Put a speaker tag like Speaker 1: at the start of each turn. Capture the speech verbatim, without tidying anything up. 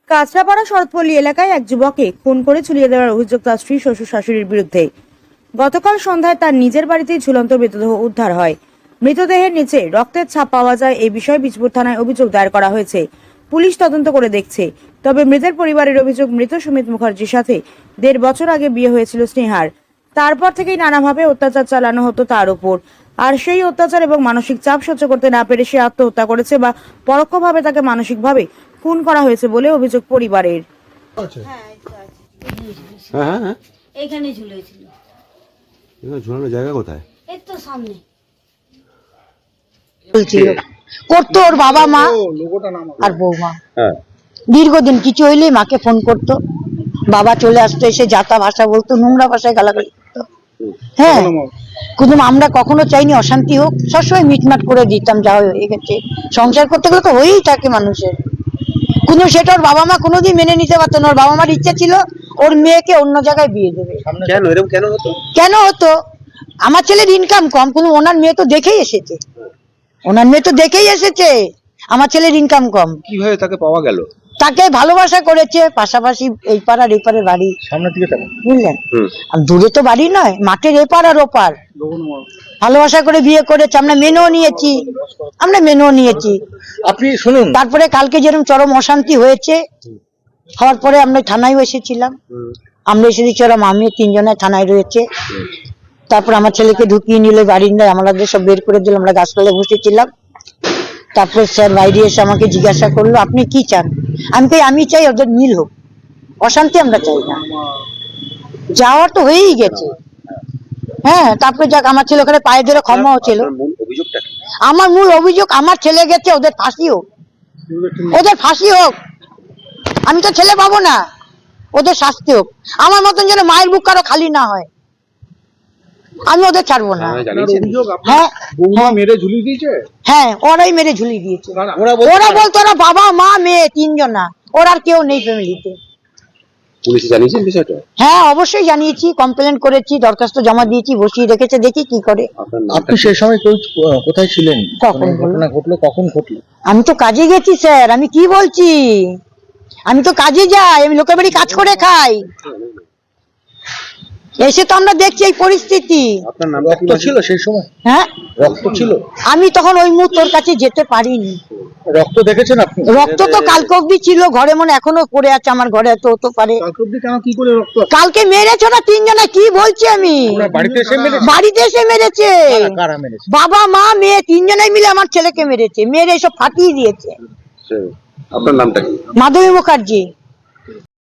Speaker 1: কাঁচরাপাড়া শরৎপল্লী এলাকায় এক যুবককে খুন করে ঝুলিয়ে দেওয়ার অভিযোগ তার স্ত্রী শ্বশুর শাশুড়ির বিরুদ্ধে। গতকাল সন্ধ্যায় তার নিজের বাড়িতেই ঝুলন্ত মৃতদেহ উদ্ধার হয়। মৃতদেহের নিচে রক্তের ছাপ পাওয়া যায়। এই বিষয়ে বীজপুর থানায় অভিযোগ দায়ের করা হয়েছে। পুলিশ তদন্ত করে দেখছে। তবে মৃতের পরিবারের অভিযোগ, মৃত সুমিত মুখার্জির সাথে দেড় বছর আগে বিয়ে হয়েছিল স্নেহার। তারপর থেকেই নানাভাবে অত্যাচার চালানো হতো তার উপর। আর সেই অত্যাচার এবং মানসিক চাপ সহ্য করতে না পেরে সে আত্মহত্যা করেছে বা পরোক্ষভাবে তাকে মানসিকভাবে খুন করা হয়েছে বলে অভিযোগ পরিবারের।
Speaker 2: হ্যাঁ এই তো আছে।
Speaker 3: হ্যাঁ হ্যাঁ হ্যাঁ
Speaker 2: এইখানে ঝুলেছিল।
Speaker 3: এখানে ঝুলানোর জায়গা কোথায়?
Speaker 2: এই তো সামনে
Speaker 4: বলছিল করতো ওর বাবা মা আর বৌমা।
Speaker 3: হ্যাঁ
Speaker 4: দীর্ঘদিন কিছু হইলে মাকে ফোন করতো, বাবা চলে আসতো, এসে যাতা ভাষা বলতো, নোংরা ভাষায় গালাগালি করতো। হ্যাঁ, কিন্তু আমরা কখনো চাইনি অশান্তি হোক, সবসময় মিটমাট করে দিতাম, যা হয়ে গেছে। সংসার করতে গেলে তো হয়েই থাকে মানুষের, কিন্তু সেটা ওর বাবা মা কোনোদিন মেনে নিতে পারতো না। ওর বাবা মার ইচ্ছা ছিল ওর মেয়েকে অন্য জায়গায় বিয়ে দেবে।
Speaker 3: কেন এরকম কেন হতো?
Speaker 4: কেন হতো? আমার ছেলের ইনকাম কম, কিন্তু ওনার মেয়ে তো দেখেই এসেছে, ওনার মেয়ে তো দেখেই এসেছে আমার ছেলের ইনকাম কম।
Speaker 3: কিভাবে তাকে পাওয়া গেল?
Speaker 4: তাকে ভালোবাসা করেছে, পাশাপাশি এই পাড়ার এই পাড়ের বাড়ি,
Speaker 3: সামনে থেকে তাকে
Speaker 4: বুঝলেন?
Speaker 3: হুম
Speaker 4: আর দূরে তো বাড়ি নয়, মাঠের এপার আর ওপার। ভালোবাসা করে বিয়ে করেছে, আমরা মেনেও নিয়েছি, আমরা মেনেও নিয়েছি।
Speaker 3: আপনি শুনুন,
Speaker 4: তারপরে কালকে যেরকম চরম অশান্তি হয়েছে, হওয়ার পরে আমরা থানায় এসেছিলাম। আমরা এসে দিচ্ছি, ওরা মামি তিনজনে থানায় রয়েছে। তারপর আমার ছেলেকে ঢুকিয়ে নিলে বারিন্দায়, আমাদের সব বের করে দিল, আমরা গাছতলায় বসেছিলাম। তারপরে স্যার বাইরে এসে আমাকে জিজ্ঞাসা করলো, আপনি কি চান? আমি কই আমি চাই ওদের মিল হোক, অশান্তি আমরা চাই না। যাওয়ার তো হয়েই গেছে। হ্যাঁ, তারপরে যাক, আমার ছেলে ওখানে পায়ে ধরে ক্ষমাও ছিল। আমার মূল অভিযোগ, আমার ছেলে গেছে, ওদের ফাঁসি হোক, ওদের ফাঁসি হোক। আমি তো ছেলে পাবো না, ওদের শাস্তি হোক। আমার মতন যেন মায়ের বুক কারো খালি না হয়, আমি ওদের ছাড়বো না। হ্যাঁ
Speaker 5: মেরে ঝুলিয়ে দিয়েছে।
Speaker 4: হ্যাঁ, ওরাই মেরে ঝুলিয়ে দিয়েছে। ওরা বলতো ওরা বাবা মা মেয়ে তিনজনা, ওর আর কেউ নেই ফ্যামিলিতে।
Speaker 3: পুলিশে জানিয়েছেন বিষয়টা?
Speaker 4: হ্যাঁ, অবশ্যই জানিয়েছি, কমপ্লেন করেছি, দরখাস্ত জমা দিয়েছি, বসিয়ে রেখেছে, দেখি কি করে।
Speaker 5: আপনি সেই সময় কোথায় ছিলেন?
Speaker 4: কখন
Speaker 5: ঘটনা ঘটলো, কখন ঘটলো?
Speaker 4: আমি তো কাজে গেছি স্যার, আমি কি বলছি, আমি তো কাজে যাই, আমি লোকের বাড়ি কাজ করে খাই। এসে তো আমরা দেখছি এই পরিস্থিতি।
Speaker 3: আপনার নাম
Speaker 5: রক্ত ছিল সেই সময়?
Speaker 4: হ্যাঁ,
Speaker 5: রক্ত ছিল।
Speaker 4: আমি তখন ওই মুহূর্তে ওর কাছে যেতে পারিনি।
Speaker 5: রক্ত দেখেছেন আপনি?
Speaker 4: রক্ত তো কালকে অব্দি ছিল ঘরে, মনে এখনো পড়ে আছে আমার ঘরে, তো হতে পারে।
Speaker 5: কালকে অবধি কেন, কি করে রক্ত?
Speaker 4: কালকে মেরেছো না তিনজনা, কি বলছি আমি?
Speaker 5: বাড়িতে এসে মেরেছে?
Speaker 4: বাড়িতে এসে মেরেছে,
Speaker 5: কারা মেরেছে?
Speaker 4: বাবা মা মেয়ে তিনজনাই মিলে আমার ছেলেকে মেরেছে, মেরে এসব ফাটিয়ে দিয়েছে।
Speaker 3: আপনার নামটা কি?
Speaker 4: মাধবী মুখার্জি।